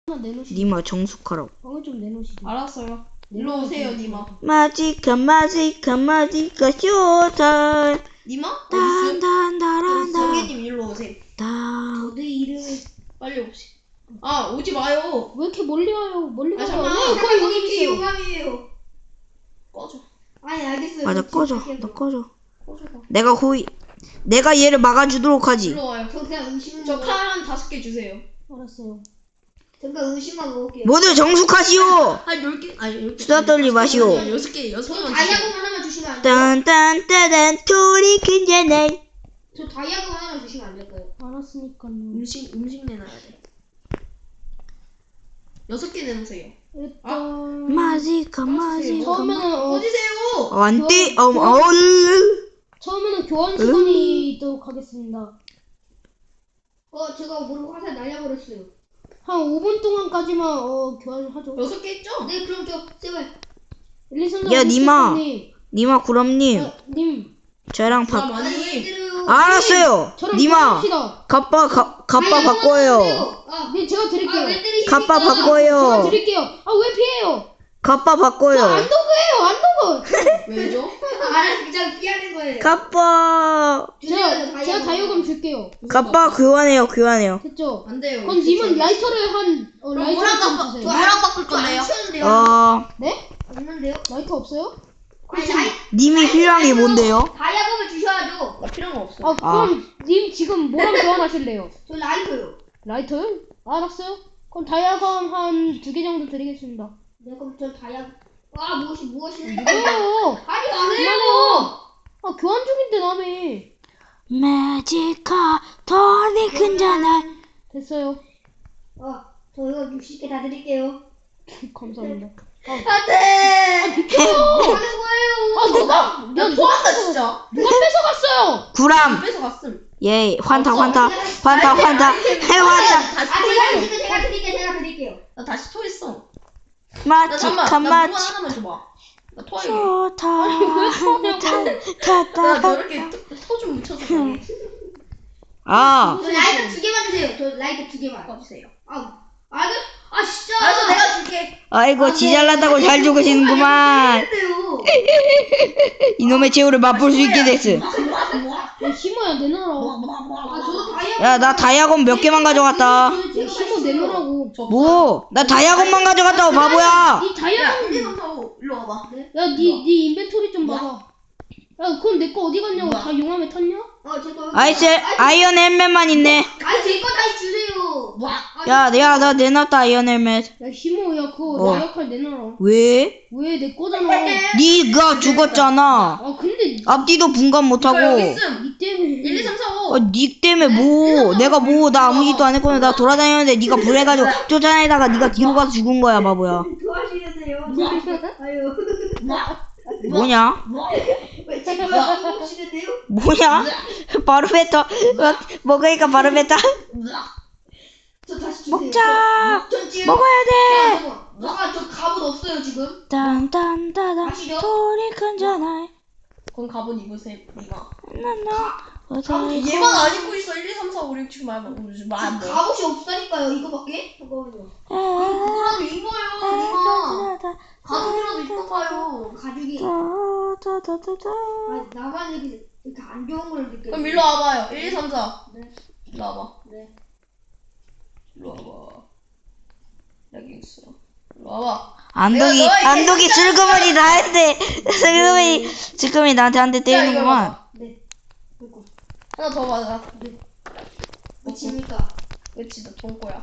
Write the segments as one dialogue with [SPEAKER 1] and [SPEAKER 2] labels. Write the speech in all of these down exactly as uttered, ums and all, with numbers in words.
[SPEAKER 1] 내놓으시죠.
[SPEAKER 2] 니마 정숙하라고.
[SPEAKER 1] 방을 좀 내놓으시죠.
[SPEAKER 3] 알았어요. 일로 오세요, 니마.
[SPEAKER 2] 마지카 마지카 마지카 쇼타임.
[SPEAKER 3] 니마? 어디 있음?
[SPEAKER 2] 단단다란다.
[SPEAKER 3] 성계님 일로 오세요.
[SPEAKER 2] 단.
[SPEAKER 1] 내 이름이
[SPEAKER 3] 빨리 오시. 아, 오지 마요.
[SPEAKER 1] 왜 이렇게 멀리 와요? 멀리
[SPEAKER 3] 아,
[SPEAKER 1] 가요.
[SPEAKER 3] 잠깐만.
[SPEAKER 1] 네, 거기 거기
[SPEAKER 4] 이게
[SPEAKER 1] 있어요.
[SPEAKER 4] 용암이에요.
[SPEAKER 3] 꺼져.
[SPEAKER 4] 아니 알겠어요.
[SPEAKER 2] 맞아 꺼져.
[SPEAKER 4] 지금
[SPEAKER 2] 너 꺼져.
[SPEAKER 3] 꺼져봐.
[SPEAKER 2] 내가 호이. 내가 얘를 막아주도록 하지.
[SPEAKER 3] 일로 와요.
[SPEAKER 4] 저 그냥 음식
[SPEAKER 3] 저
[SPEAKER 4] 먹어.
[SPEAKER 3] 칼 한 다섯 개 주세요.
[SPEAKER 1] 알았어요.
[SPEAKER 4] 잠깐 음식만 먹을게요.
[SPEAKER 2] 모두 정숙하시오.
[SPEAKER 3] 한 열 개? 아니, 열 개.
[SPEAKER 2] 수다 떨지 마시오.
[SPEAKER 3] 여섯 개, 여섯
[SPEAKER 4] 저
[SPEAKER 3] 개만 주세요.
[SPEAKER 4] 다이아몬드 하나만 주시면 안 돼요?
[SPEAKER 2] 딴딴따단 토리 큰자날.
[SPEAKER 4] 저 다이아몬드 하나만 주시면 안 될까요?
[SPEAKER 1] 알았으니까요.
[SPEAKER 3] 음식, 음식 내놔야 돼. 여섯 개 내놓으세요.
[SPEAKER 1] 일단
[SPEAKER 2] 마지카 마지카.
[SPEAKER 1] 처음에는 어,
[SPEAKER 3] 꺼지세요!
[SPEAKER 2] 안돼. 어 어.
[SPEAKER 1] 처음에는 교환 시간이 있도록 하겠습니다.
[SPEAKER 4] 어 제가 모르고 화살 날려버렸어요.
[SPEAKER 1] 한 오 분 동안까지만 어 교환을 하죠.
[SPEAKER 3] 여섯 개 있죠?
[SPEAKER 4] 네 그럼 저 제발.
[SPEAKER 1] 일, 이, 삼, 사,
[SPEAKER 2] 야, 니마.
[SPEAKER 1] 님.
[SPEAKER 2] 니마 구럼님.
[SPEAKER 1] 아, 님.
[SPEAKER 2] 저랑
[SPEAKER 3] 자,
[SPEAKER 2] 바.
[SPEAKER 3] 많이.
[SPEAKER 4] 때려요.
[SPEAKER 2] 알았어요.
[SPEAKER 1] 저랑
[SPEAKER 2] 니마.
[SPEAKER 1] 교환합시다.
[SPEAKER 2] 갑바 가, 갑바 바꿔요.
[SPEAKER 4] 아,
[SPEAKER 1] 네, 제가 드릴게요.
[SPEAKER 4] 아왜 때리십니까?
[SPEAKER 2] 갑바
[SPEAKER 1] 제가
[SPEAKER 2] 바꿔요.
[SPEAKER 1] 드릴게요. 아, 왜 피해요?
[SPEAKER 2] 갑바
[SPEAKER 1] 저
[SPEAKER 2] 바꿔요.
[SPEAKER 1] 안도그예요, 안도그.
[SPEAKER 3] 왜죠?
[SPEAKER 4] 아 그냥 피하는 거예요.
[SPEAKER 2] 갑바.
[SPEAKER 1] 제가 제가 다이어금 줄게요.
[SPEAKER 2] 갑바 교환해요. 교환해요.
[SPEAKER 1] 됐죠?
[SPEAKER 3] 안 돼요.
[SPEAKER 1] 그럼 님은 라이터를 한 어,
[SPEAKER 3] 그럼
[SPEAKER 1] 라이터
[SPEAKER 3] 뭐랑
[SPEAKER 1] 좀
[SPEAKER 3] 바꿔-
[SPEAKER 1] 주세요.
[SPEAKER 3] 뭐랑 바꿀
[SPEAKER 4] 저안
[SPEAKER 3] 건데요?
[SPEAKER 4] 치웠는데요.
[SPEAKER 2] 어.
[SPEAKER 1] 네?
[SPEAKER 4] 없는데요?
[SPEAKER 1] 라이터 없어요?
[SPEAKER 4] 아니 다이
[SPEAKER 2] 님이 필요한 게 뭔데요?
[SPEAKER 4] 다이아몬드 주셔야죠.
[SPEAKER 3] 나 필요한 거 없어.
[SPEAKER 1] 아, 그럼 님 지금 뭐랑 교환하실래요?
[SPEAKER 4] 저 라이터요.
[SPEAKER 1] 라이터요? 알았어요. 그럼 다이아검 한 두 개 정도 드리겠습니다.
[SPEAKER 4] 네 그럼 저 다이아. 아 무엇이 무엇이?
[SPEAKER 1] 왜요?
[SPEAKER 4] 아니 안 해요.
[SPEAKER 1] 그만해요. 아, 교환 중인데 남이.
[SPEAKER 2] 매지카 토리 큰자날.
[SPEAKER 1] 됐어요.
[SPEAKER 4] 어저 이거 육십 개 다 드릴게요.
[SPEAKER 1] 감사합니다.
[SPEAKER 4] 안돼.
[SPEAKER 1] 비켜요.
[SPEAKER 4] 하는 거예요.
[SPEAKER 1] 아, 누가?
[SPEAKER 3] 야, 토한다, 진짜.
[SPEAKER 1] 누가 뺏어갔어요?
[SPEAKER 2] 구람.
[SPEAKER 3] 뺏어갔음.
[SPEAKER 2] 예. 환타
[SPEAKER 3] 없어.
[SPEAKER 2] 환타. 환타 환타. 해 환타.
[SPEAKER 3] 다시
[SPEAKER 4] 아 제가
[SPEAKER 3] 토했어.
[SPEAKER 4] 지금 제가 드릴게요. 제가 드릴게요.
[SPEAKER 3] 나 다시 토했어. 나
[SPEAKER 2] 마지카
[SPEAKER 3] 잠깐만. 나 무한
[SPEAKER 2] 마지.
[SPEAKER 3] 하나만 줘봐. 나 토하게.
[SPEAKER 2] 쇼타.
[SPEAKER 3] 나
[SPEAKER 2] 타타.
[SPEAKER 3] 저렇게 토 좀 묻혀서 가게.
[SPEAKER 2] 아.
[SPEAKER 4] 저 라이터 두 개만 주세요. 저 라이터 두 개만.
[SPEAKER 3] 꺼주세요.
[SPEAKER 4] 아, 아, 그, 아 진짜.
[SPEAKER 3] 알았어, 내가 줄게.
[SPEAKER 2] 아이고 지잘났다고 잘 죽으시는구만.
[SPEAKER 4] 안돼요.
[SPEAKER 2] 이놈의 최후를 맛볼 수 있게 됐어.
[SPEAKER 1] 야, 힘어야 내놔라.
[SPEAKER 4] 아 저도 다이아.
[SPEAKER 2] 야 나 다이아곤 몇 개만 가져갔다.
[SPEAKER 1] 야, 힘어 내놓으라고.
[SPEAKER 2] 뭐? 나 다이아곤만 가져갔다고 바보야.
[SPEAKER 1] 니
[SPEAKER 3] 야,
[SPEAKER 1] 다이아검.
[SPEAKER 3] 일, 이, 삼, 사, 오. 일로 와봐.
[SPEAKER 1] 야, 니, 니 인벤토리 좀 봐봐. 야, 그건 내 거 어디 갔냐고.
[SPEAKER 3] 뭐야?
[SPEAKER 1] 다 용암에 탔냐?
[SPEAKER 4] 어, 제거.
[SPEAKER 2] 아이스 아이언 헬멧만 있네.
[SPEAKER 4] 아, 제거 다시 주세요.
[SPEAKER 3] 와.
[SPEAKER 2] 야, 야, 나 내놨다 아이언 헬멧.
[SPEAKER 1] 야, 힘어, 야, 그거
[SPEAKER 2] 어.
[SPEAKER 1] 나 역할 내놔라.
[SPEAKER 2] 왜?
[SPEAKER 1] 왜 내 거잖아.
[SPEAKER 2] 네가 죽었잖아.
[SPEAKER 1] 아, 근데
[SPEAKER 2] 앞뒤도 분간 못하고.
[SPEAKER 3] 이거 여기 있음.
[SPEAKER 1] 니 때문에.
[SPEAKER 3] 일, 이, 삼, 사, 오.
[SPEAKER 2] 어, 니 때문에 뭐? 내가 뭐? 나 아무 짓도 안 했거든. 나 돌아다녔는데 네가 불해가지고 쫓아내다가 네가 뒤로 가서 죽은 거야, 바보야.
[SPEAKER 4] 도와주세요.
[SPEAKER 3] 뭐?
[SPEAKER 4] 아유.
[SPEAKER 2] 뭐냐?
[SPEAKER 4] 왜 제거야? 먹시는데요?
[SPEAKER 2] 뭐냐? 바로 뱉어. 먹으니까 바로 뱉어.
[SPEAKER 4] 저 다시 주세요.
[SPEAKER 2] 먹자.
[SPEAKER 4] 저, 저 지금.
[SPEAKER 2] 먹어야 돼.
[SPEAKER 4] 아, 저 갑옷 없어요 지금.
[SPEAKER 2] 딴딴따단
[SPEAKER 4] 아시죠?
[SPEAKER 2] 소리 큰잖아.
[SPEAKER 3] 그럼 갑옷 입으세요, 니마.
[SPEAKER 2] 나나 어디
[SPEAKER 3] 얘만 안 입고 있어. 일, 이, 삼, 사, 오, 육, 칠, 팔, 구, 십, 말 뭐.
[SPEAKER 4] 갑옷이 없다니까요. 이거밖에? 잠깐만요.
[SPEAKER 2] 에
[SPEAKER 4] 그거라도 입어요, 니마. 가죽이라도 입고 가요. 가죽이. 아, 나만 이렇게 이렇게 안 좋은 걸 느껴.
[SPEAKER 3] 그럼 일로 와봐요. 일, 이, 삼, 사.
[SPEAKER 4] 네.
[SPEAKER 3] 일로 와봐.
[SPEAKER 4] 네.
[SPEAKER 3] 일로 와봐. 여기 있어. 일로 와봐.
[SPEAKER 2] 안독이
[SPEAKER 3] 내가 너의
[SPEAKER 2] 안독이
[SPEAKER 3] 개인적인
[SPEAKER 2] 슬그머니 나한테 슬그머니 슬그머니 나한테 한 대
[SPEAKER 3] 야, 이거
[SPEAKER 2] 때리는구만.
[SPEAKER 3] 봐봐.
[SPEAKER 4] 네. 그리고
[SPEAKER 3] 하나 더 맞아.
[SPEAKER 4] 뭐칩니까?
[SPEAKER 3] 그치, 너 돈꼬야.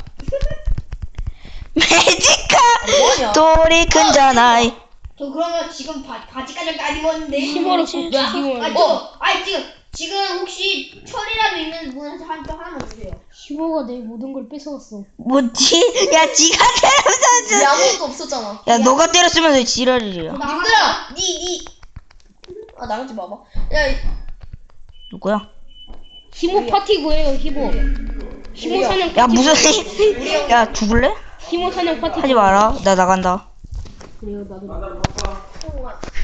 [SPEAKER 2] 매지카
[SPEAKER 3] 뭐하냐?
[SPEAKER 2] 돌이 큰잖아.
[SPEAKER 4] 저 그러면 지금 바, 바지까지 안 입었는데.
[SPEAKER 1] 힘어로 쏟
[SPEAKER 3] 야,
[SPEAKER 1] 힘을.
[SPEAKER 4] 아, 저, 아니 지금 지금 혹시 철이라도 있는 분한테 한 표 하나만 주세요.
[SPEAKER 1] 힘어가 내 모든 걸 뺏어갔어.
[SPEAKER 2] 뭐지? 야 지가 때렸어.
[SPEAKER 3] 야, 아무것도 없었잖아.
[SPEAKER 2] 야 너가 때렸으면 왜 지랄이야?
[SPEAKER 3] 님들아! 니, 니! 아, 나가지 마봐. 야, 이-
[SPEAKER 2] 누구야?
[SPEAKER 1] 힘어 파티 구해요, 힘어. 힘어 사냥 파티.
[SPEAKER 2] 야 무슨
[SPEAKER 3] 우리
[SPEAKER 2] 야 죽을래?
[SPEAKER 1] 힘어 사냥 파티.
[SPEAKER 2] 하지 마라. 나 나간다.
[SPEAKER 1] 그래요, 나도.